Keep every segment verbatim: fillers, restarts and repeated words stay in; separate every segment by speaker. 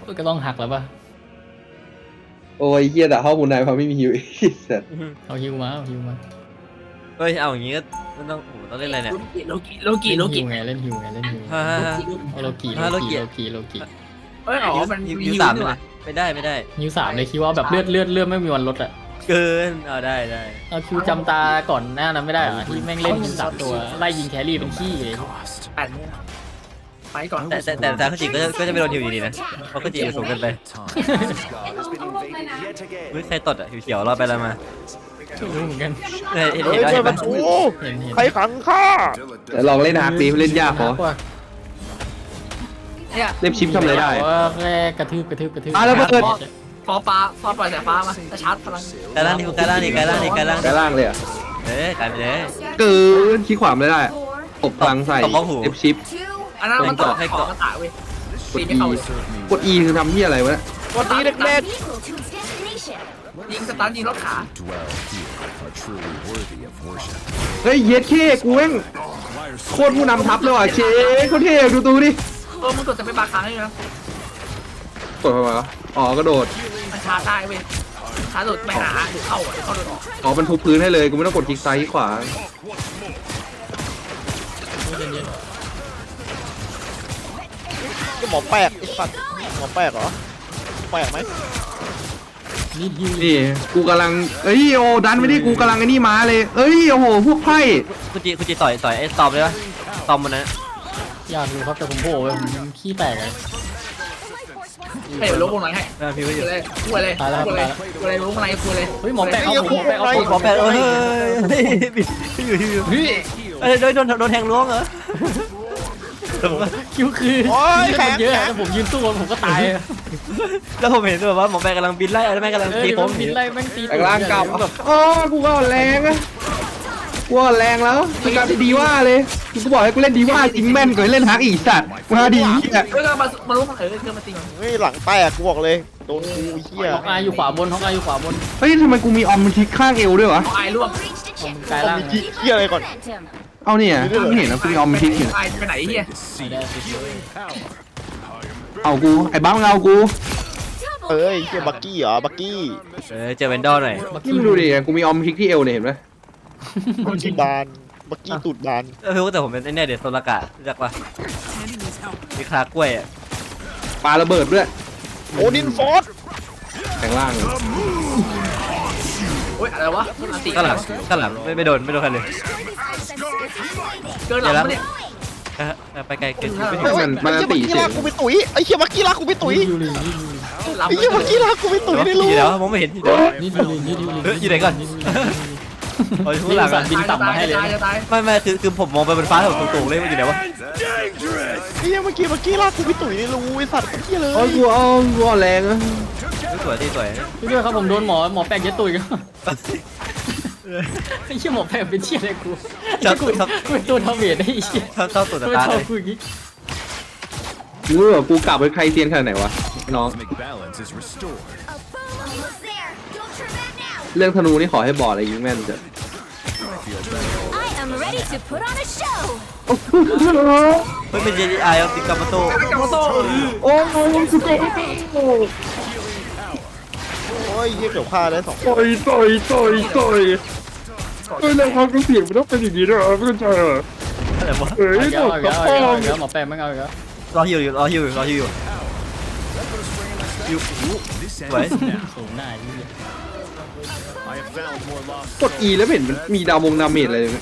Speaker 1: ก็ต้องหักแล้วป่ะ
Speaker 2: โอ้ยเฮียแต่เข้ามูนไนเพราะไม่มีฮิวเสร็จ
Speaker 1: เอาฮิวมาเอาฮิวมา
Speaker 3: เฮ้ยเอาอย่างงี้ก็ต้องโหต้องเล่นอะไรเนี่ย
Speaker 4: โลกิโลกิโลกิ
Speaker 1: ไงเล่นฮิวไงเล่นฮิว
Speaker 3: ฮ่าฮ่า
Speaker 1: โลกิโลกิโลกิโลกิ
Speaker 4: เอ้ยอ๋อมัน
Speaker 3: ยูสามเลยไม่ได้ไม่ได้
Speaker 1: ฮิวสามเลยคิดว่าแบบเลือดเลือดเลือดไม่มีวันลดอ่ะ
Speaker 3: เกินเอาได้ได้
Speaker 1: เอาคิวจำตาก่อนหน้านั้นไม่ได้เหรอที่แม่งเล่นฮิวสามตัวไล่ยิงแครี่เป็นขี้เลย
Speaker 4: แปดเนี่ยไปก่อน
Speaker 3: แต่แต่แต่แต่ข้าจิก็ก็จะไม่โดนฮิวอยู่ดีนะเพราะข้าจิสูงเกินไปเฮ้ยใครตดอ่ะหิวเขียวรอไปแล้วมา
Speaker 1: ไม่รู้เหมือนกัน
Speaker 3: เห็นเห็นเห็นเห็นปะ
Speaker 5: ใครขังข้า
Speaker 2: แต่ลองเล่นฮาร์ดดีเล่นยากพอเล่นชิปทำอะไรได้
Speaker 1: ว่าแค่กระทืบกระทืบกระทืบ
Speaker 2: อ่ะแล้วเปิด
Speaker 4: ฟอฟ้าฟอปล่อยสายฟ้ามาจะชาร์จพลัง
Speaker 3: กายล่างนี่กายล่างนี่กายล่างนี่กายล่าง
Speaker 2: กายล่างเลยอ่ะ
Speaker 3: เอ๊ะกายไปเลย
Speaker 2: เกินขี้ขวามไม่ได้อบพลังใส่เอฟชิป
Speaker 4: อันนั้นมันต่อให้เกาะกระต่ายเว้ยตีไม่เข้าเลย
Speaker 2: กด E คือทำที่อะไรวะ
Speaker 5: กด E เล็ก
Speaker 4: ๆยิงสตาร์ยิงรถขา
Speaker 2: เฮ้ยเย็ดเค้กูเองโคตรผู้นำทัพเลยว่ะเชคเขาเท่ดูตูดิ
Speaker 4: เออมึงกดจะไปบาค้างได้นะ
Speaker 2: กดมาอ๋อกระโดด
Speaker 4: มันชาร์จได้เว้ยชาร์จหลุดไม่หาหรือเข้าอ่ะเข้าโดนออก
Speaker 2: อ๋อมันทุบพื้นให้เลยกูไม่ต้องกดคลิกซ้ายคลิกขวา
Speaker 5: ก็หมอแปลกไอ้สัตว์หมอแปลกเหรอแปลกไหม
Speaker 1: นี่ฮิว
Speaker 2: นี่กูกำลังเอ้ยโอ้ดันไม่ได้กูกำลังไอ้นี่มาเลยเอ้ยโอ้โหพวกไพ่
Speaker 3: คุณจีคุณจีต่อยต่อยไอ้ตอมเลยปะตอมมันนะ
Speaker 1: อยากดูครับแต่ผมโผล่ไปผมขี้แตกเลย
Speaker 4: เฮ้ยลบวงไหนให้
Speaker 3: พี่ว่าอยู่
Speaker 4: เลยพูดเลยพูดเลยพูดเลยลบวงไหนพูดเลย
Speaker 1: เฮ้ยหมอแปะเอาหมอแปะเอา
Speaker 3: หมอแปะเอ้ยพี่อยู่พี่อยู่เอ้ยโดนโดนโดนแทงล้วงเหรอ
Speaker 1: คิวคือเยอะแต่ผมยืนสู้ผมก็ตาย
Speaker 3: แล้วผมเห็นแบบว่าหมอแปะกำลังบินไล่อะไรแม่กำลังตีผม
Speaker 1: บินไล่แม่งตี
Speaker 2: แรงล่างกลับอ๋อกูก็แรงอะกูก็แรงแล้วกูกลายเป็นดีว่าเลยกูบอกให้กูเล่นดีว่าจริงแม่นกว่าเล่นฮักอีสัตว์มาดี
Speaker 4: เนี่ยเออมามาลุ้มเออเออมาตีมัน
Speaker 5: เฮ้ยหลังแตกกูบอกเลยโดนกูเหี้ย
Speaker 1: ฮอกอายอยู่ขวาบนฮอกอายอยู่ขวาบน
Speaker 2: เฮ้ยทำไมกูมีออมมันทิกข้างเอวด้วยวะ
Speaker 4: ฮอกอายร่วง
Speaker 1: กายล่าง
Speaker 5: เหี้ยอะไรก่อน
Speaker 2: เอาเนี่ยไม่เห็นนะกูมีออมมันทิกอยู่
Speaker 4: อายไปไหนเหี้ย
Speaker 2: เอากูไอ้บ้าเอากู
Speaker 5: เอ้ยเหี้ยบักกี้เหรอบักกี้
Speaker 3: เออเจอเวนดอร์หน่อย
Speaker 2: นี่มึงดูดิกูมีออมทิกที่เอวเนี่ยเห็นไหม
Speaker 5: บักกี้บานบักกี้ตูดบาน
Speaker 3: เออแต่ผมเป็นไอ้เนี่ยเดี๋ยวโซลากะรู้จักปะมีคลากล้วยอ่ะ
Speaker 2: ปาระเบิดด้วย
Speaker 5: โอดินฟอร์ด
Speaker 2: แข่งล่าง
Speaker 4: โอ้ยอะไรวะ
Speaker 3: ข้างหลังข้างหลังไม่ไม่โดนไม่โดนใครเลย
Speaker 4: เกินหลังเนี่ย
Speaker 3: ไปไกลเกิน
Speaker 2: มันมันตีเฉย
Speaker 5: กูไปตุ๋ยไอ้เหี้ยบักกี้ลากกูไปตุ๋ยไอ้เหี้ยบักกี้ลากกูไปตุ๋ยในรู
Speaker 3: เดี๋ยวมองไม่เห็น
Speaker 1: นี่ดูนี่ดู
Speaker 3: อยู่ไหนก่อน
Speaker 1: โอ้ยผู้หลังบินต่ำมาให้เลย
Speaker 3: ไม่ไม่คือคือผมมองไปบนฟ้าผมสูงๆเลยมันอยู่ไหนวะ
Speaker 5: ไอ้เหี้ยเมื่อกี้บักกี้ลากกูไปตุ๋ยในรูไอ้สัตว์เหี้ยเลย
Speaker 2: โอ้ยกูเอากูแรงอะ
Speaker 3: สวยดีสวย
Speaker 1: พี่ด้วยครับผมโดนหมอหมอแปะเย็ดตุยกันไอ้เชี่ยหมอแปะเป็นเชี่ยอะไรกูชอบกูชอบกูเป็นตัวทำเวทได้ไอ้เชี่ย
Speaker 3: ชอบชอบตัวตาเลย
Speaker 1: กูอย่างงี้
Speaker 2: กูรู้ว่ากูกลับไปใครเซียนขนาดไหนวะน้องเรื่องธนูนี่ขอให้บอดอะไรยิงแม่นเถอะ
Speaker 3: เฮ้ยเป็นเจดีไอเอาติกามาโต้
Speaker 2: โอ้ยสุดยอด
Speaker 5: โอ้ยเยี่ยมเดี๋ยวฆ่าได้สอง
Speaker 2: ต่อยต่อยต่อยต่อยเฮ้ยแล้วความเสี่ยงมันต้องเป็นอย่างนี้ด้วยเหรอเพื่อนชายเหรอ
Speaker 3: อะไรวะ
Speaker 1: เฮ้ยหมอแปะหมอแปะไม่เอาอีกแล้ว
Speaker 3: รอฮิวอยู่รอฮิวอยู่รอฮิวอยู่ยูสวย
Speaker 1: สูงหน้าที่
Speaker 2: กด E แล้วเห็นมันมีดาววงดาเมจอะไรเลย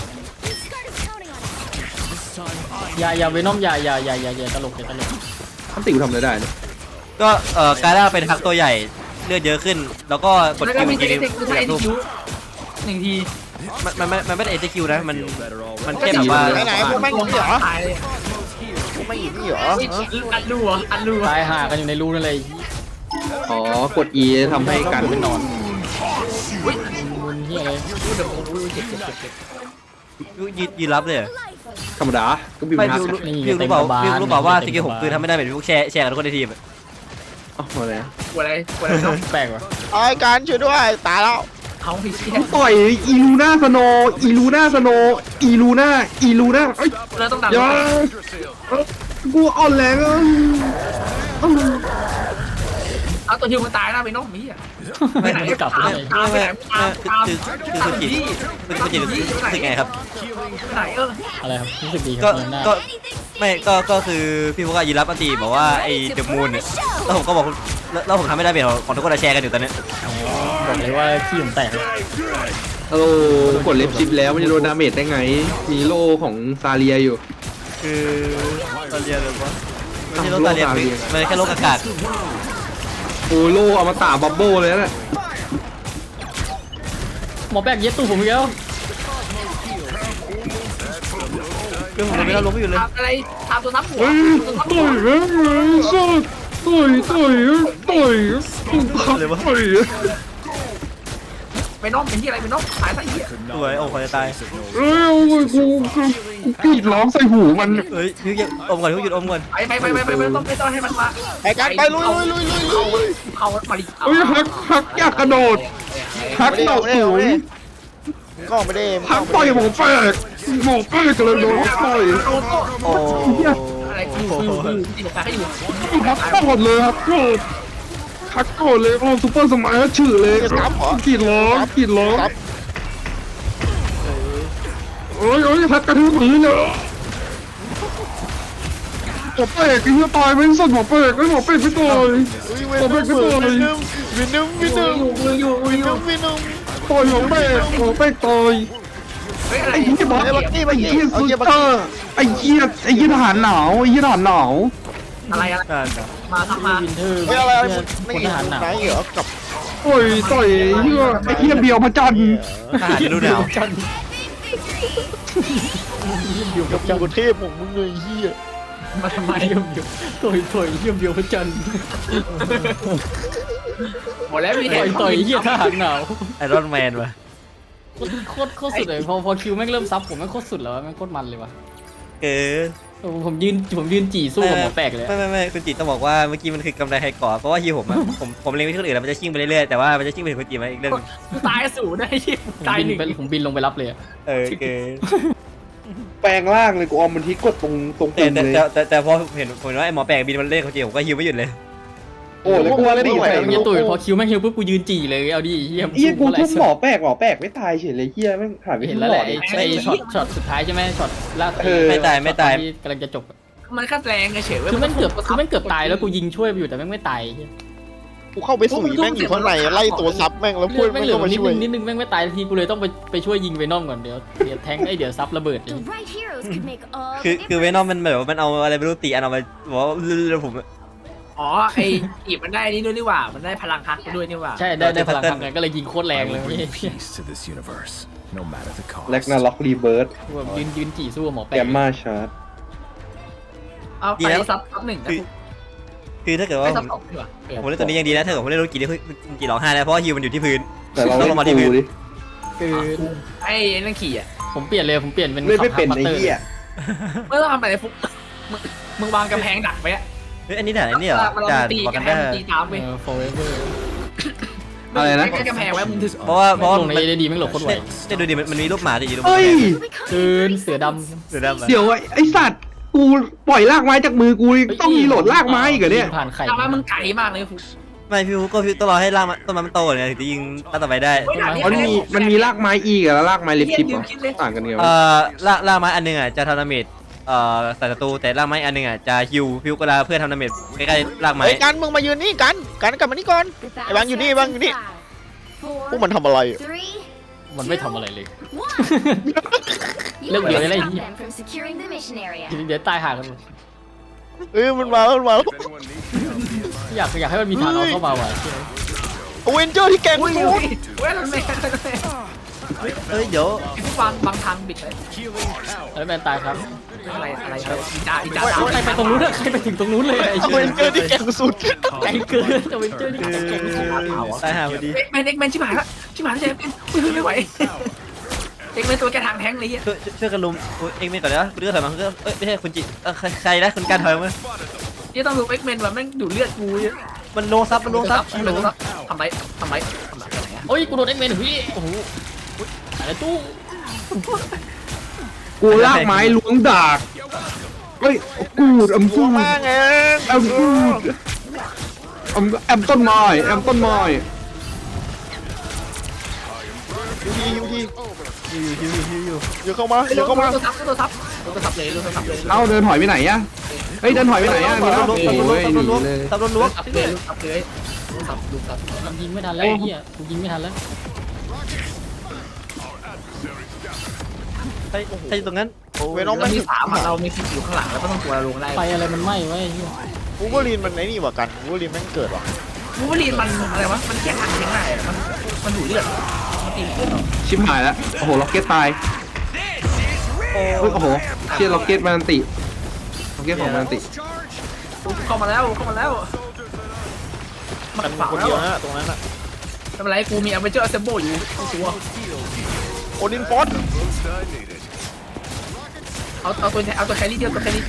Speaker 1: อย่าอย่าเวนอมอย่าอย่าอย่าอย่าอย่าตลกอย่าตลก
Speaker 2: ท่านติ๋วทำอะไรได้เนี่ย
Speaker 3: ก็เอ่อกายล่าเป็นฮักตัวใหญ่เลือดเยอะขึ้นแล้วก็กดคิวทีนึง
Speaker 4: หนึ่งที
Speaker 3: มันมันมันไม่ได้เอทีคิวนะมันมันแค่แบบว่า
Speaker 5: ไหนพวกแม่งนี่เหรอพวกแม่งอยู่นี่เหรอ
Speaker 4: อันรูอ่ะอันรู
Speaker 1: ตายห่ากันอยู่ในรูนั่นเลย
Speaker 2: อ๋อกด E ทำให้การเป็นนอน
Speaker 1: มันเฮียอะไร
Speaker 3: ยืนยืนรับเลย
Speaker 2: ธรรมดาก็บินฮัก
Speaker 3: พี่รู้เปล่าพี่รู้เปล่าว่าสกิลผมคือทำไม่ได้แบบพวกแชร์แชร์กันทุกคนในทีม
Speaker 2: อ๋ออะไร
Speaker 4: อะไรอะไร
Speaker 1: แปลกว่ะ
Speaker 5: ไอ้การช่วยด้วยตายแล้ว
Speaker 4: เขาพี่
Speaker 2: ต่อยอีลูน่าสโนอีลูน่าสโนอีลูน่าอีลูน่าเอ้ย
Speaker 4: เราต้องดัน
Speaker 2: กูอ่อนแรงอ่ะ
Speaker 4: เอาตัวฮิวมันตายนะไปน้องมีอ่ะไปไหน
Speaker 1: กลับไป
Speaker 4: ตามไปไหนตามตาม
Speaker 3: คือคือคุณจิคุณคุณจิรู้สึกไงครับ
Speaker 4: ไปไหนเออ
Speaker 1: อะไรครับรู้สึกดีค
Speaker 3: ก็
Speaker 1: รับเดินหน้า
Speaker 3: ก็ไม่ก็ก็คือพี่พวกยืนรับอันตีบอกว่าไอ้เดอะมูนเนี่ยแล้วผมก็บอกแล้วแล้วผมทำไม่ได้เป็นของทุกคนแชร์กันอยู่ตอนนี้
Speaker 1: บอกเลยว่าขี้ผมแตก
Speaker 2: โอ้กดเล็บชิปแล้วมันจะโดนดาเมจได้ไงมีโล่ของซาเลียอยู่
Speaker 3: คือตาเลียเลยวะไม่ใช่โลกตาเลียมันแค่โลกอากาศ
Speaker 2: โอ้โล่เอามาตาบับเบิ้ลเลยนะ
Speaker 1: หมอแบกเย็ดตู้ผมอีกแล้ว
Speaker 3: คือผมไม่ได้ลงไม่อยู่เลย
Speaker 4: ทำอะไรทำตัวซับหัว
Speaker 2: เฮ้ย
Speaker 4: ตัวซับ
Speaker 2: ต่
Speaker 4: หั
Speaker 2: อ
Speaker 4: วย
Speaker 2: แล้วต่อยต่อยต่อยต่อย
Speaker 4: ไปน้องเป็นที่อะไรไปน้องตายซะเหี้ย
Speaker 3: สวยโอ้คอยจะตาย
Speaker 2: เอ้ยกูกูกูกรีดร้องใส่หูมัน
Speaker 3: เฮ้ยพี่หยุดอมก่อนพี่หยุดอมก่อน
Speaker 4: ไปไปไปไปไปไม่ต้องไม่ต้องให้มันมา
Speaker 5: ไอ้การไปลุยลุยลุยลุยลุย
Speaker 4: เข้ามาดิ
Speaker 2: เอ้ยฮักฮักอยากกระโดดฮักโดดสูง
Speaker 5: ก็ไม่ได้
Speaker 2: ฮักต่อยหมอแปลกหมอแปลกกระโดดต่อย
Speaker 3: โอ้
Speaker 4: อะไรกูติดตาให้อยู่
Speaker 2: ฮักโกรธเลยฮักโกรธฮักโกรธเลยโอ้ซุปเปอร์สมัยฉื่อเลยกรีดร้องกรีดร้องโอ้ยโอ้ยฮักกระทืบพื้นเลยหมอแปลกไอ้เหี้ยตายไม่สนหมอแปลกไอ้หมอแปลกไม่ต่อย
Speaker 5: วินนุ่มวินนุ่มวินนุ่มวินนุ่มวินนุ่มวินนุ่มวินนุ่ม
Speaker 2: ต่อยหมอแปลกหมอแปลกต่อย
Speaker 4: เฮ้ยอะไร
Speaker 2: ไอ้เหี้ยบอส
Speaker 5: ไอ้บักกี้บัก
Speaker 2: ไอ้
Speaker 5: กี้
Speaker 2: เหี้ย
Speaker 5: เอา
Speaker 2: ซู
Speaker 5: เกียร์บัก
Speaker 2: เปอ
Speaker 5: กี้
Speaker 2: ร์ไอ้เหี้ยไอ้เหี้ยทหารหนาวไอ้เหี้ยทหารหนาว
Speaker 4: อะไรอะไร
Speaker 3: นั่น
Speaker 4: มาทำมา
Speaker 1: วินเทอร์
Speaker 5: ไม่อะไร
Speaker 1: ค
Speaker 5: ไม่
Speaker 1: นทหารหนาว
Speaker 5: ไหนเหรอกับ
Speaker 2: โอ้ยต่อยไอ้เหี้ยไอ้เหี้ยเบียวพระจันทร์
Speaker 3: ทหารฤดูหนาว
Speaker 1: จัน
Speaker 5: อยู่กับกรุงเทพของมึงเลยเฮีย
Speaker 4: มาทำไม
Speaker 1: เยี่ยมเยี่ยมต่อยต่อยเยี่ยมเยี่ยมพระจันทร์
Speaker 4: หมดแล้วมี
Speaker 1: ต่อยต่อยเยี่ยทหารหนาว
Speaker 3: ไอรอนแมนวะ
Speaker 1: โคตรโคตรสุดเลยพอพอคิวแม่งเริ่มซับผมแม่งโคตรสุดแล้วแม่งโคตรมันเลยว่ะ
Speaker 3: เออ
Speaker 1: ผมยืนผมยืนจี่สู้กับหมอแปลกเลย
Speaker 3: ไม่ไม่ไม่คุณจิตต้องบอกว่าเมื่อกี้มันคือกำไรไฮก่อเพราะว่าฮีผมอะผมผมเล็งไปที่คนอื่นแล้วมันจะชิ่งไปเรื่อยๆแต่ว่ามันจะชิ่งไปถึงคุณจิตมาอีกเรื่อง
Speaker 4: ตายสูได้ที่
Speaker 1: ผม
Speaker 4: ตาย
Speaker 1: บิน
Speaker 4: หนึ่ง
Speaker 1: ไปผมบินลงไปรับเลย
Speaker 3: เออเออ
Speaker 2: แปลงร่างเลยกูออมมันที่กดตรงตรง
Speaker 3: แต่
Speaker 2: ปุ่ม
Speaker 3: แต่
Speaker 2: เลย
Speaker 3: แต่แต่แต่พอเห็นผมเห็นว่าไอ้หมอแปลกบินมันเล่นคุณจิตผมก็ฮิวไม่หยุดเลย
Speaker 2: โอ้แล้วกูว่าตีใส่
Speaker 1: เฮียตุ๋ยพอคิวแม่งฮิวปุ๊บกูยืนจี่เลยเอาดิเฮีย
Speaker 2: เฮียกูทุบหมอแปลกหมอแปลกไม่ตายเฉยเลยเฮียแม่งหายไป
Speaker 1: เห็น
Speaker 2: ทุบ
Speaker 1: แล้ว
Speaker 2: หม
Speaker 1: แห
Speaker 2: อ
Speaker 1: ละ
Speaker 2: ดิ
Speaker 1: ไอ้ช็อตช็อตสุดท้ายใช่ไหมช็อตล่าสุด
Speaker 3: ไม่ตายไม่ตาย
Speaker 1: ที่กำลังจะจบ
Speaker 4: มันแค่แรงเฉย
Speaker 1: คือแม่งเกือบคือแม่งเกือบตายแล้วกูยิงช่วยอยู่แต่แม่งไม่ตาย
Speaker 5: กูเข้าไปสุยแม่งอยู่ข้างในไล่ตัวซับแม่งแล้วพูด
Speaker 1: แม่
Speaker 5: แม่
Speaker 1: ง
Speaker 5: ง
Speaker 1: เหลือ
Speaker 5: ก็มา
Speaker 1: นิด
Speaker 5: ช่วย
Speaker 1: นึงนิดนึงแม่งไม่ตายทีกูเลยต้องไปไปช่วยยิงเวนอมก่อนเดี๋ยวเดี๋ยวแทงไอ้เดี๋ยวซับระเบิด
Speaker 6: The right heroes could make all
Speaker 3: คือ
Speaker 6: the
Speaker 3: คือเวนอมมันแบบว่ามันเอาอะไรไม่รู้ตีอันเอามาบอกว่าผม
Speaker 4: ๆอ๋อไอ้อีบมันได้นี่ด้วยนี่หว่ามันได้พลังฮักด้วยนี่หว่า
Speaker 1: ใช่ได้ได้พลังทำไงก็เลยยิงโคตรแรงเลย
Speaker 7: peace to this universe, no matter the cost.
Speaker 2: แล็กนาล็อกรีเบิร์ด
Speaker 1: กูแบบยืนยืนจี่สู้กับหมอแปล
Speaker 2: แก
Speaker 1: ก
Speaker 2: มมาชาร์ด
Speaker 4: เอาไปซับซับหนึ่งนะ
Speaker 3: คือคือถ้าเกิดว่า
Speaker 4: ไม่
Speaker 3: ผ
Speaker 4: ซับ
Speaker 3: ม
Speaker 4: สองดีกว่า
Speaker 3: ผมเล่นตัวนี้ยังดีนะถ้าเกิดผมเล่นโรกินี่คุณจิร้องไห้แล้วเพราะว่าฮิวมันอยู่ที่พื้น
Speaker 2: แต่เรา
Speaker 3: ต้อ
Speaker 2: เล่
Speaker 3: ง
Speaker 2: น
Speaker 3: ลงมาที่
Speaker 2: กู
Speaker 3: พื้น
Speaker 2: ดิ
Speaker 1: คือ
Speaker 4: ไอ้นั่นขี่อ่ะ
Speaker 1: ผมเปลี่ยนเลยผมเปลี่ยนเป็น
Speaker 2: ไม่ไม่เป็น
Speaker 1: ขับ
Speaker 2: ไอ้
Speaker 1: ฮับ
Speaker 2: เหี้ย
Speaker 4: เมื่อทำอะไรฟุกมึงมึงวางกำแพงดักไว้อะ
Speaker 3: เฮ้ยอันนี้ด่านอันนี้เหรอ
Speaker 4: มัน
Speaker 3: ด่าน
Speaker 4: ตี
Speaker 3: บอก
Speaker 4: กั
Speaker 3: กัน น
Speaker 4: ได้
Speaker 3: ได้
Speaker 4: ตีตามไป
Speaker 1: เออ forever
Speaker 2: อะไรนะ
Speaker 4: กำแพงไว้มึงถึง
Speaker 3: เพราะว่าเพราะว่า
Speaker 1: ลงในได้ดีไม่หลบโคตรไว
Speaker 3: จะดูดิมันมีรูปหมาติดอยู่ตรง
Speaker 2: เฮ้ย
Speaker 1: คืนเสือด
Speaker 3: เสือดำอะ
Speaker 2: เดี๋ยวไอ้สัตว์กูปล่อยลากไม้จากมือกู
Speaker 1: ำ
Speaker 2: ต้องมีโหลดลากไม้อีกเหรอเนี่ย
Speaker 1: ผ่านไข่
Speaker 4: แต่ว่ามึงไกลมากเลยฟุก
Speaker 3: ไม่พี่ก็พี่ต้องรอให้ร่างมันต้นไม้มันโตก่อนเนี่ยถึงจะยิงต้นต่อไปได้
Speaker 2: มันมีมันมีลากไม้อีกแล้วลากไม้เล็บทิปเหรอต่างกันไง
Speaker 3: เอ่
Speaker 2: วะ
Speaker 3: อล่าล่าไม้อันหนึงอ่ะจะทำดาเมจเอ่อใส่ศัตรูแต่ล่าไม้อันหนึงอ่ะจะฮิวฮิวก็ลาเพื่อทำดาเมจใกล้ๆล่างไม้
Speaker 5: ไอ้การมึงมายืนนี่กันกันกลับมานี่ก่อน
Speaker 6: The
Speaker 5: Ê, bạn vô đi,
Speaker 6: battle
Speaker 5: bạn vô đi.
Speaker 6: starts in five,
Speaker 5: พวกมันทำอะไร
Speaker 6: four, three,
Speaker 1: มันไม่ทำอะไรเลย
Speaker 6: one. You
Speaker 1: Look,
Speaker 6: must
Speaker 1: you're
Speaker 6: stop
Speaker 1: like-
Speaker 6: them from securing the mission area.
Speaker 1: เดี๋ยวตายหากันหมด
Speaker 5: เอ้ยมันมาแล้วมันมาแล้ว
Speaker 1: อยากอยากให้มันมีทางเอาเข้ามาว่ะ
Speaker 5: เวนเจอร์ที่แกง
Speaker 4: อุ้ย
Speaker 5: สุด
Speaker 4: เว้ยมันไม่
Speaker 3: เอ้ยเดี๋ยว
Speaker 4: ผู้ฟังบางทางบิดเลย
Speaker 1: แล้วแมนตายครับ
Speaker 4: อะไรอะไรอีจ้าอีจ้า
Speaker 1: ใครไปตรงนู้นอะใครไปถึงตรงนู้นเลยไอ้
Speaker 5: เว
Speaker 1: เชี่ย
Speaker 5: นเจอร์ที่แกงสุด
Speaker 1: ไกลเกินแต่เวนเจอร์นี่
Speaker 3: คือ
Speaker 1: ไกลเกิน
Speaker 3: ตายหาพอดี
Speaker 4: เอ็กแมนเอ็กแมนชิบหายละชิบหายแล้วเจเป็นไม่ไหวเอ็กแมนตัวแกทางแท้งเลยเฮีย
Speaker 3: ช่วยช่วยกันลุมเอ็กเมนก่อนนะคุณเลือดถอยมาคุณเลือดเอ้ยไม่ใช่คุณจิเออใครนะคุณการถอยมา
Speaker 4: ยี่ต้องดูเอ็กแมนว่าแม่งดูเลือดกูเยอะ
Speaker 3: มันโลซับมันโลซับ
Speaker 4: ทำไรทำไรทำไรทำไรอะไร
Speaker 1: โอ้ยกูโดนเอ็กเมนพี่โอ้โหอะไรตู้
Speaker 2: กูลากไม้ล้วงดากเฮ้ยกูดอัม
Speaker 5: ตั
Speaker 2: กู
Speaker 5: ว
Speaker 2: ด
Speaker 5: มากไง
Speaker 2: อัมกูดแอมแอมต้นไม้แอมต้นไม้
Speaker 5: ฮิวทีฮิวที
Speaker 3: ฮิวฮิวฮิวฮิว
Speaker 5: เดี๋ยวเข้ามา
Speaker 4: เร็
Speaker 5: เดี๋ยว วเข้ามา
Speaker 4: ตัวซับตัวซับตัวซับเลยตัวซับเลย
Speaker 2: เอ้าเดินถอยไปไหนอะเฮ้ยเดินถอยไปไหนอะมีแล้วโอ้ยหนีเลย
Speaker 3: ตับรถล้วง
Speaker 4: ซับเลยซับเลยซับลูกซับ
Speaker 1: มันยิงไม่ทันแล้วไอ้เหี้ยกูยิงไม่ทันแล้ว
Speaker 3: ใช่ใช่ตรงนั้นโอ้
Speaker 5: เวนอม
Speaker 4: เรา
Speaker 5: แม่ง
Speaker 4: มีสามเรามีสิบอยู่ข้างหลังแล้วก็ต้องตัวลงได้
Speaker 1: ไฟอะไรมันไหม้ไว้ไอ้เหี้ย
Speaker 5: วูเวอรีนมันไอ้นี่กว่ากันวูเวอรีนแม่งเกิดว่ะ
Speaker 4: วูบลีนมันอะไรวะมันแค่หันแค่ไหนมันมันดูดเลือดมันตีเลือด
Speaker 2: ชิบหายแล้วโอ้โหล็อกเก็ตตายเฮ้ยโอ้โหเชี่ยล็อกเก็ตมันติล็อกเก็ตของมันติ
Speaker 4: เข้ามาแล้วเข้ามาแล้วมั
Speaker 5: มัน
Speaker 4: นฝัง
Speaker 5: คน
Speaker 4: แล้ว
Speaker 5: เดียวนะตรงนั้นอะ
Speaker 4: ทำไรกูมีอเวนเจอร์เซมโบอยู่ตัว
Speaker 5: โอดินฟอส
Speaker 4: เอาเอาตัวเอาตัวแครี่เดียวตัวแครี่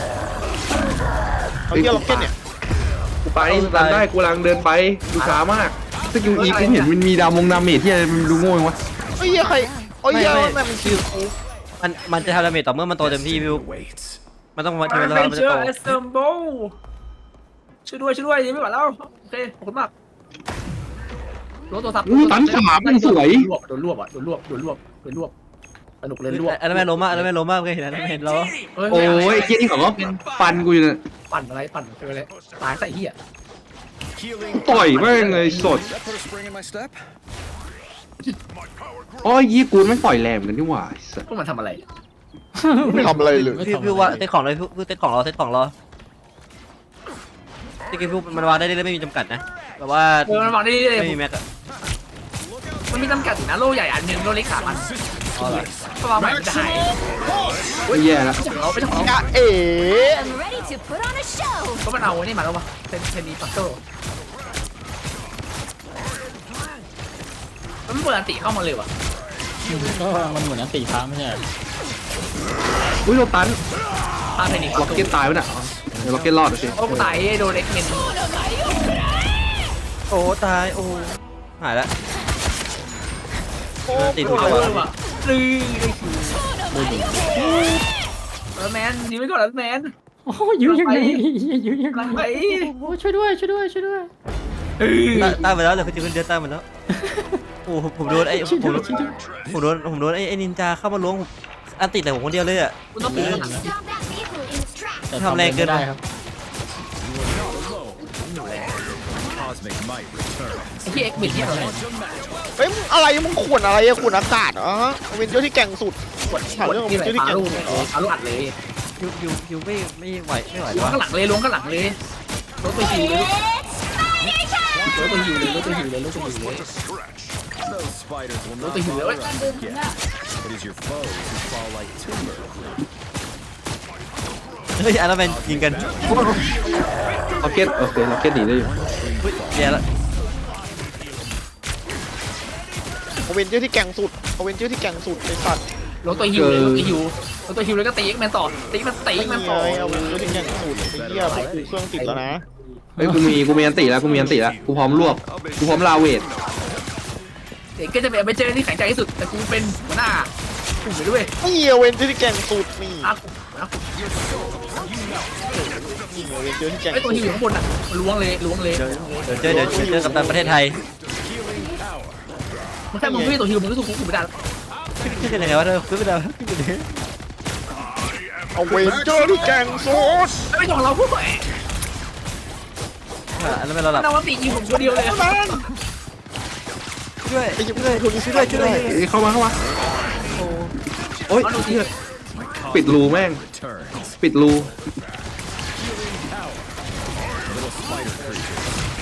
Speaker 5: เอาเที่ยวล็อกเก็ตเนี่ย
Speaker 2: กูไปรันได้กูกำลังเดินไปดูช้ามากสกิลอีกูเห็นมันมีดาวมงดาเมจที่อะไรมันดูโง่ยังวะ
Speaker 5: เฮ้ยใครโอ้ยเหี้ยแม่งมันคิว
Speaker 3: มันมันจะทำดาเมจต่อเมื่อมันโตเต็มที่พี่
Speaker 7: Waits.
Speaker 3: มันต้องมา
Speaker 4: อ
Speaker 3: ถึงเว
Speaker 4: เว
Speaker 3: ลาน มัน
Speaker 4: เจ
Speaker 3: จะ
Speaker 4: อ
Speaker 3: โต
Speaker 4: ร์เซมโบช่วยด้วยช่วยด้วยยังไม่ไหวแล้วโอเคขอบคุณมากรถตัวซับโดนรวบโดนรวบอ่ะโดนรวบโดนรวบโดนรวบสนุกเลยรวบ
Speaker 3: อันนั้นแม่ล้มมากอันนั้นแม่ล้มมากเคยเห็นอันนั้นเห็นแล้ว
Speaker 2: โอ้ยเกี้ยนี่เขาก็ฟันกูอยู่เนี่ย
Speaker 4: ปั่นอะไรปั่นไปเลยตายใส่เหี้ย
Speaker 7: Healing.
Speaker 2: ต่อยแม่งเลยสด
Speaker 7: That put a spring in my step.
Speaker 2: โอ้ยยี่กูไม่ปล่อยแรงเหมือนกันนี่หว่าไอ้สัส
Speaker 4: พวกมันทำอะไร
Speaker 5: ไม่ทำอะไรเลย
Speaker 3: พี่พี่ว่าเซตของเลยพี่เซตของรอเซตของรอที่กี้พี่มันวางได้เลยไม่มีจำกัดนะแบบว่า
Speaker 4: เออมันวางได้เลย
Speaker 3: ไม่มีแม็กอะ
Speaker 4: มันมีจำกัดอยู่นะโล่ใหญ่อันหนึ่งโล่เล็กสามอันก็วางใหม่มันจะหาย
Speaker 2: ไม่แย่แล้ว
Speaker 4: ไม่ใช่ของเราไม่ใช่ของเรา
Speaker 5: อะเอ๋
Speaker 6: I'm ready to put on a show.
Speaker 4: ก็มันเอาไอ้นี่มาแล้ววะเทนเทนนีปัตเตอร์มันเปิดอันติเข้ามาเลยวะ
Speaker 1: ก็มันเหมือนอันตีพาไม่ใช่เหรอ
Speaker 2: อุ้ยโดนตัน
Speaker 4: พาเทนนีปั
Speaker 2: ล็
Speaker 4: ต
Speaker 2: อก
Speaker 4: เตอ
Speaker 2: เก็ต
Speaker 4: ร์
Speaker 2: ตายไปน่ะเดี๋ยวล็อกเก็ตรอดโอเค
Speaker 4: โอ้กูตายโดนเอ็กเมน
Speaker 3: โอ้ตายโอ้หายละ
Speaker 5: โอ้
Speaker 3: ติด
Speaker 5: โห
Speaker 3: หัว
Speaker 4: เอาเลยว่ะลือได้คิวเออแมนยิงไม่ก่อนแล้วแมน
Speaker 1: โอ้ยยื้อยังไงยื้อยัง
Speaker 4: หลัง
Speaker 1: ไง
Speaker 4: ไป
Speaker 1: โอ้ช่วยด้วยช่วยด้วยช่วยด้วย
Speaker 3: ตายตายไปแล้วเหลยคือจะเป็นเดือนตายหมดแล้วโอ้ผมโดนไอ้ผมโดนผมโดนผมโดนไอ้ไอ้นินจาเข้ามาล้วงอันติดแต่ผมคนเดียวเลยอะ
Speaker 4: กูต้องปีน
Speaker 6: Stop that vehicle in its tracks.
Speaker 1: แต่ทำแรงเกินได้ครับ
Speaker 7: Cosmic might return.
Speaker 4: ไอ้ที่เอ็กเมนเนี่ยอะไร
Speaker 5: เฮ้ยมึงอะไรมึงขวนอะไรอะขวนอากาศเหรอฮะเวนเจอร์ที่แก่งสุด
Speaker 4: กดกดที่ไหนปาลูกปาลูกอัดเลย
Speaker 3: ยูยูยูไม่ไม่ไหวไม่ไหว
Speaker 4: ล้วง
Speaker 3: วะ
Speaker 4: ข้างหลังเลยล้วงข้างหลังเลยรถตัวหิวเลย
Speaker 6: It's spider time.
Speaker 4: รถตัวหิวเลยรถตัวหิวเลยรถตัวหิวเลย
Speaker 7: Those spiders will
Speaker 4: What
Speaker 7: not
Speaker 4: the hell?
Speaker 7: bother us again. It is your foes who fall like timber.
Speaker 3: เฮ้ยอันนั้นเป็นยิงกัน
Speaker 2: ล็อกเก็ตโอเคล็อกเก็ตหนีได้อยู่
Speaker 3: เฮ้ยแย่ละ
Speaker 5: เวนเจอร์ที่แก่งสุดเวนเจอร์ที่แก่งสุดไอ้สัตว์
Speaker 4: รถตัวหิวเลยรถตัวหิวรถตัวหิวเลยก็ตีแมนต่อตีมันตี
Speaker 5: นี่
Speaker 4: มัน
Speaker 5: ไง
Speaker 4: ต่อ
Speaker 5: เอาเวนเจอร์ที่แก่งสุดไอ้เหี้ยผมกูเครื่องติดแล้วนะ
Speaker 2: เฮ้ยกูมีกูมีอันติแล้วกูมีอันติแล้วกูพร้อมรวบกูพร้อมลาเวท
Speaker 4: เด็กก็จะเป็นไปเจอที่แข็งใจที่สุดแต่กูเป็นหัวหน้ากูไปด้วย
Speaker 5: นี่เวนเจอร์ที่แก่งสุดนี่
Speaker 4: อากูอากู
Speaker 5: นี่เวนเจอร์ที่แก่ง
Speaker 4: ไอตัว
Speaker 5: สุ
Speaker 4: หิ
Speaker 5: ด
Speaker 4: วอยู่ข้างบนอ่ะล้วงเลยล้วงเลย
Speaker 3: เดี๋ยวเจอเดี๋ยวเจอกับตันประเทศไทย
Speaker 4: มันแค่มึงไม่ตัวหิวมึงก็สู้กูไม่ได้
Speaker 3: ขึ้นกันยังไงวะเธอขึ้นไปแล้วขึ้นไปเลย
Speaker 5: เอาเวนเจอร์ที่แก่งสุด
Speaker 4: ไม่ต้องเราพูดไป
Speaker 3: อันนั้นเป็นระดับ
Speaker 4: นวัตตียิงผมคนเดียวเลย
Speaker 5: นั่น
Speaker 3: ช่วย
Speaker 5: ไอ้ยิง
Speaker 3: ช่วย
Speaker 5: คนนี้
Speaker 3: ช่วยด้วยช่วยด้วย
Speaker 2: เอ้ยเข้ามาเข้ามาโอ้ยเหี้ยปิดรูแม่ง
Speaker 7: Returns.
Speaker 2: ปิดรู
Speaker 7: Little spider creature.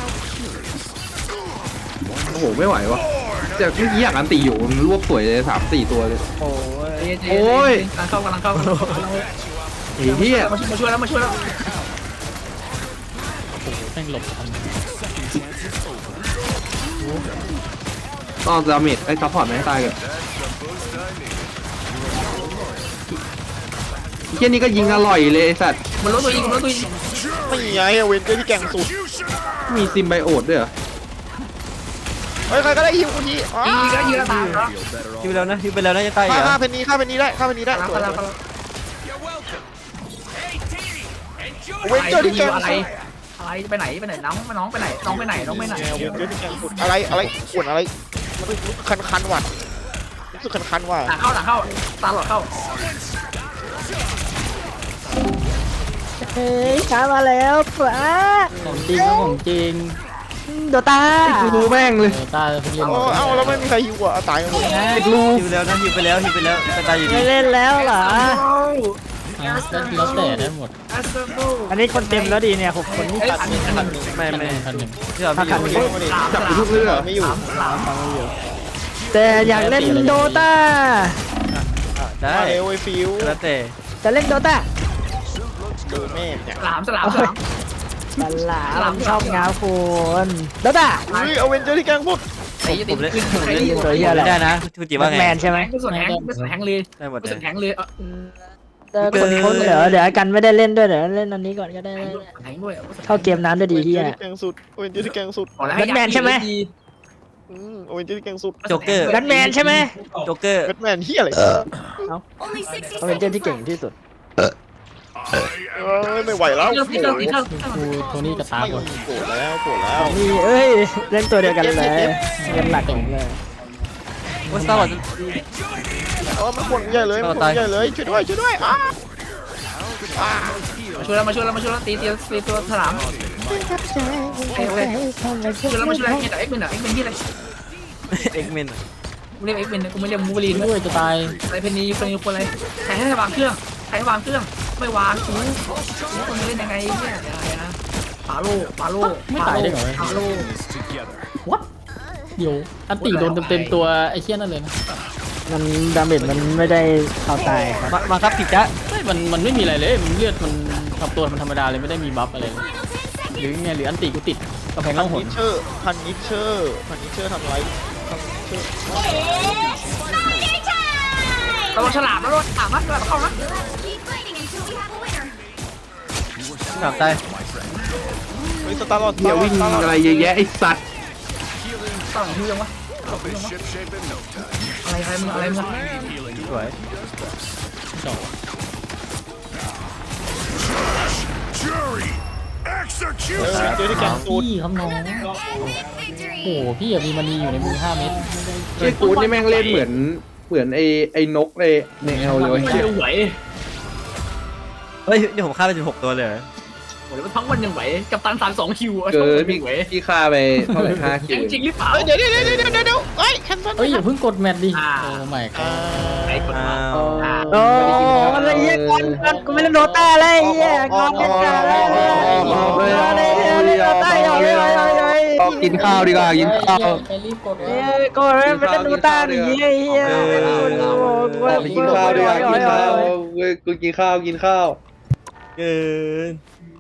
Speaker 2: โอ้โหไม่ไหววะแต่เมื่อกี้อยากอันติอยู่มันรวบสวยเลยสามสี่ตัวเลย
Speaker 3: โอ้ย
Speaker 2: โอ้ย
Speaker 4: กำลังเข้ากำลังเข้า
Speaker 2: ไอ้เหี้ย
Speaker 4: มาช่วยแล้วมาช่วยแล้ว
Speaker 1: แม่งหลบทัน
Speaker 2: ต้องดาเมจไอ้ซัพพอร์ตไม่ให้ตายเลยเหี้ยนี่ก็ยิงอร่อยเลยไอ้สัตว์
Speaker 4: มันรถตัวยิงมันรถตัวยิง
Speaker 5: ไม่ไงเวนเจอร์ที่แก่งสุด
Speaker 2: มีซิมไบโอดด้วยเหรอ
Speaker 5: เฮ้ยใครก็ได้ฮิวกูที
Speaker 4: ยิงก็ยิงแล้วตายแล้ว
Speaker 7: Feel better
Speaker 3: ยิง
Speaker 7: all
Speaker 3: ไปแล้วนะยิงไปแล้วนะจะตายอี
Speaker 5: ฆ่าก
Speaker 3: เหร
Speaker 5: ฆ่า
Speaker 3: อ
Speaker 5: เพนนีฆ่าเพนนีได้ฆ่าเพนนีได้สวย
Speaker 4: กำลังกำลัง
Speaker 5: เวนเจอร์ที่แก่ง
Speaker 4: อะไร
Speaker 5: สุด
Speaker 4: อะไรไปไหนไปไหนน้องน้องไปไหนน้องไปไหนน้องไปไหน
Speaker 5: แนวเยอะที่แกงสุดอะไรอะไรอ้วนอะไรมันรู้สึกคันคันๆว่ะรู้สึกคันคันๆว่ะ
Speaker 4: หลังเข้าหลังเข้าตาหลอดเข้า
Speaker 8: เฮ้ยช้ามาแล้วปะ
Speaker 1: ของจริงครับของจริง
Speaker 8: โดตา
Speaker 2: กูรู้แม่งเลย
Speaker 1: เออตาเพิ่งเล่น
Speaker 5: เอาเอาแล้วไม่มีใครหิวอ่ะเอาตายกันหมด
Speaker 2: ติดรู
Speaker 3: ฮิวแล้วนะฮิวไปแล้วฮิวไปแล้วแต่ตายอยู่ดี
Speaker 8: ไม่เล่นแล้วเหรอ
Speaker 1: อ่ะแล้วแต่ได้หมด
Speaker 8: อันนี้คนเต็มแล้วดีเนี่ยหกคนนี่
Speaker 4: เอ้ย
Speaker 8: ตัด
Speaker 4: พันหนึ่งพันหนึ่ง
Speaker 3: ไม่ไม่
Speaker 1: พันหนึ่ง
Speaker 3: ที่เราพี่อยู่
Speaker 2: จับอยู่ทุกเรื่อง
Speaker 5: ไม่อยู่
Speaker 8: แต่อยากเล่นโดตา
Speaker 3: อ่ะได้
Speaker 5: มาเร็วไอ้ฟิว
Speaker 3: แล้วแต่
Speaker 8: จะเล่นโดตา
Speaker 5: เจอแม่เนี่ย
Speaker 4: สลามสลามสลาม
Speaker 8: บัลลาผมชอบงาคุณโดตา
Speaker 5: อุ้ยเอาเวนเจอร์ที่แกงสุด
Speaker 4: ตี
Speaker 3: ผ
Speaker 4: ตี
Speaker 3: มเล่น
Speaker 4: ขึ้น
Speaker 3: ผม
Speaker 4: ตี
Speaker 3: เล่น
Speaker 4: ขึ้น
Speaker 3: ผมเล่นได้นะคุณจิ
Speaker 8: แบ
Speaker 3: ว่า
Speaker 8: ท
Speaker 3: ไง
Speaker 8: แมนใช่ไหม
Speaker 4: ไม่ส่วนแหงไม่ส่วนแหงเลย
Speaker 3: ได้หมด
Speaker 4: ไม่
Speaker 3: เล
Speaker 4: ส่วย นแหงเลยเออ
Speaker 8: แต่คนคนเดี๋ยวเดี๋ยวกันไม่ได้เล่นด้วยเดี๋ยวเล่นอันนี้ก่อนก็ได้
Speaker 4: แหงด้วย
Speaker 8: เข้าเกมน้ำด้วยดี
Speaker 5: เวน
Speaker 8: เฮี
Speaker 5: เจอย ร์ที่แกงสุดเวนเจอร์ที่แกงสุด
Speaker 8: แบทแมนใช่ไหม
Speaker 5: อืมเวนเจอร์ที่แกงสุด
Speaker 3: โจ๊กเกอร์
Speaker 8: แบทแมนใช่ไหม
Speaker 3: โจ๊กเกอร์
Speaker 5: แบทแมนเฮียอะไร
Speaker 6: Only sixty
Speaker 8: เขาเป็นเจ้าที่เก่งที่สุด
Speaker 5: เอ้ยไม่ไหวแล้ว
Speaker 4: เครื่องเครื่องเครื่อง
Speaker 1: กูโทนี่กับตาหมด
Speaker 5: โกรธแล้วโกรธแล้ว
Speaker 8: นี่เอ้ยเล่นตัวเดียวกันเลยเล่นหลักผมเลย
Speaker 3: ว่าสตาร์วอร์
Speaker 5: เออมันขวนใหญ่เลยมันขวนใหญ่เลยช่วยด้วยช่วยด้วยอ้าอ้า
Speaker 4: มาช่วยแล้วมาช่วยแล้วมาช่วยแล้วตีตีตีตัวสลามช่วยแล้วมาช่วยแล้วเฮียแต่เอ็กเมนอ่ะเอ็กเมนที่อะไร
Speaker 3: เอ็กเมน
Speaker 4: กูเรียกเอ็กเมนกูไม่เรียกมูบลีน
Speaker 1: ด้วยจะตาย
Speaker 4: อะไรเพนนีเพนนีคนอะไรใครให้วางเครื่องใครให้วางเครื่องไม่วางกูคนจะเล่นยังไงเนี่ยอะไรนะปาโลปาโลปาโลปาโล
Speaker 7: This together.
Speaker 1: วัดเดี๋ยวอันตีโดนเต็มๆตัวไอ้เชี่ยนั่นเลยนะ
Speaker 8: มันดาเมจมันไม่ได้เอาตายครับ
Speaker 3: มามาครับผิดจ้ะ
Speaker 1: ไม่มันมันไม่มีอะไรเลยมันเลือดมันทำตัวมันธรรมดาเลยไม่ได้มีบัฟอะไรเลยหรือไงหรืออันตีกูติดกระแพง
Speaker 5: พั
Speaker 1: ล่องห
Speaker 5: น
Speaker 1: น
Speaker 5: นิเชอร์พันนิเชอร์พันนิเชอร์ทำไรทำนิเชอร์
Speaker 4: ระวังฉลามนะระวังฉลามนะฉลามเข้านะ
Speaker 6: Keep fighting until we have a winner.
Speaker 3: หนักตาย
Speaker 5: เฮ้ยสตาร์ลอด
Speaker 2: เดี๋ยววิ่งอะไรเยอะแยะไอ้สัตว์
Speaker 4: ตั้งหิวยังวะ
Speaker 7: Ship shape in no time.
Speaker 4: อะไรอะไรมึงอะไรมึง
Speaker 3: สวย
Speaker 1: จบ
Speaker 7: Jury!
Speaker 5: เออ
Speaker 7: Execution!
Speaker 5: เจอที่แกงตูด
Speaker 1: พี่ครับน้อง
Speaker 6: Epic
Speaker 1: โอ้
Speaker 6: victory.
Speaker 1: โหพี่อะมีมันนีอยู่ในมือห้าเม็ด
Speaker 2: ไอ้กูดนี่แม่งเล่นเหมือนเหมือนไอ้ไอ้นกในในแอลเลย
Speaker 4: ไม่
Speaker 2: เว้ย
Speaker 4: เร็วไหว
Speaker 3: เฮ้ยนี่ผมฆ่าไปสิบหกตัวเลยเหรอ
Speaker 4: โอ้ยมันทั้งวันยังไหวกับตันสามสองคิวอะ
Speaker 2: เกิ
Speaker 4: ทั้ง
Speaker 2: น
Speaker 4: วัน
Speaker 2: พี่
Speaker 4: ยังไหว
Speaker 2: พี่ฆ่าไปเท่าไหร่ห้าคิว
Speaker 4: จริงหรือเปล่า
Speaker 5: เฮ้ยเดี๋ยวเดี๋ยวเดี๋ยวเดี๋ยวเดี๋ยวเดี๋ยวเฮ้ยแคนเซิล
Speaker 1: เอ้ยอย่าเพิ่งกดแมตช์ดิ
Speaker 4: อ่า
Speaker 1: โอ้ไม่ค
Speaker 5: อ่า
Speaker 4: ไอ้คน
Speaker 3: อ้า
Speaker 4: มา
Speaker 3: ว
Speaker 8: โอ้อะไรเงี้ยก่อนก่อนกูไม่เล่นโดตาเลยเฮียก่อนเล่นกันเลยเล่นโดตาอย่าเลยอย่าเลย
Speaker 2: เอากินข้าวดีกว่ากินข้าว
Speaker 1: ไปรีบกด
Speaker 8: เฮียก่อนเล่นไม่เล่นโดตาดิเฮียเฮีย
Speaker 2: ไปกินข้าวดีกว่ากินข้าวเว้ยกูกินข้าวกินข้าว
Speaker 3: เกิน